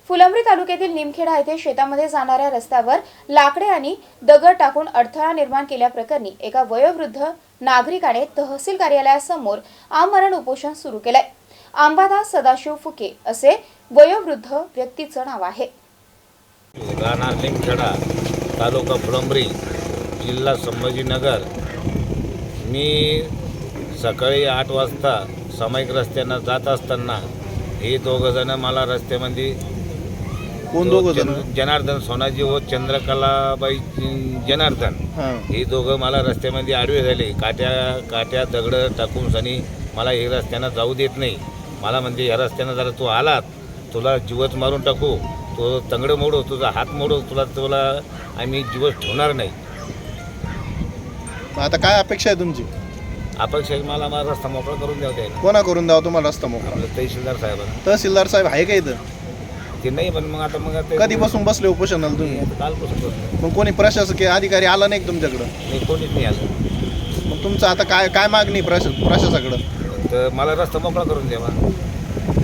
फुलंब्री तालुक्यातील निमखेडा येथे शेतामध्ये जाणाऱ्या रस्त्यावर लाकडे आणि दगड टाकून अडथळा निर्माण केल्याप्रकरणी एका वयोवृद्ध नागरिकाने तहसील कार्यालयासमोर आमरण उपोषण सुरू केलंय। अंबादास सदाशिव फुके असे वयोवृद्ध व्यक्तीचं नाव आहे। राहणार निमखेडा, तालुका फुलंब्री, जिल्हा संभाजीनगर। मी सकाळी 8 वाजता सामायिक रस्त्यानं जात असताना हे दोघंजण मला रस्त्यामध्ये कोण दोघंजण? जनार्दन सोनाजी व चंद्रकलाबाई जनार्दन हे दोघं मला रस्त्यामध्ये आडवे झाले। काट्या दगड टाकून सनी मला हे रस्त्यानं जाऊ देत नाही। मला म्हणजे या रस्त्यानं जरा तू आलात तुला जीवच मारून टाकू, तो तंगडं मोडू, तुझा हात मोडू, तुला आम्ही जीवच ठेवणार नाही। आता काय अपेक्षा आहे तुमची? अपेक्षा मला रस्ता मोकळा करून द्यावा द्यायला। कोणा करून द्यावा तुम्हाला रस्ता मोकळा? आपलं तहसीलदार साहेबांना। तहसीलदार साहेब आहे का इथं? ते नाही, पण मग आता कधीपासून बसले उपोषणाला तुम्ही? कालपासून बसलो। मग कोणी प्रशासकीय अधिकारी आला नाही तुमच्याकडं? नाही, कोणीच नाही आलं। मग तुमचं आता काय मागणी प्रशासकाकडं? तर मला रस्ता मोकळा करून द्यावा।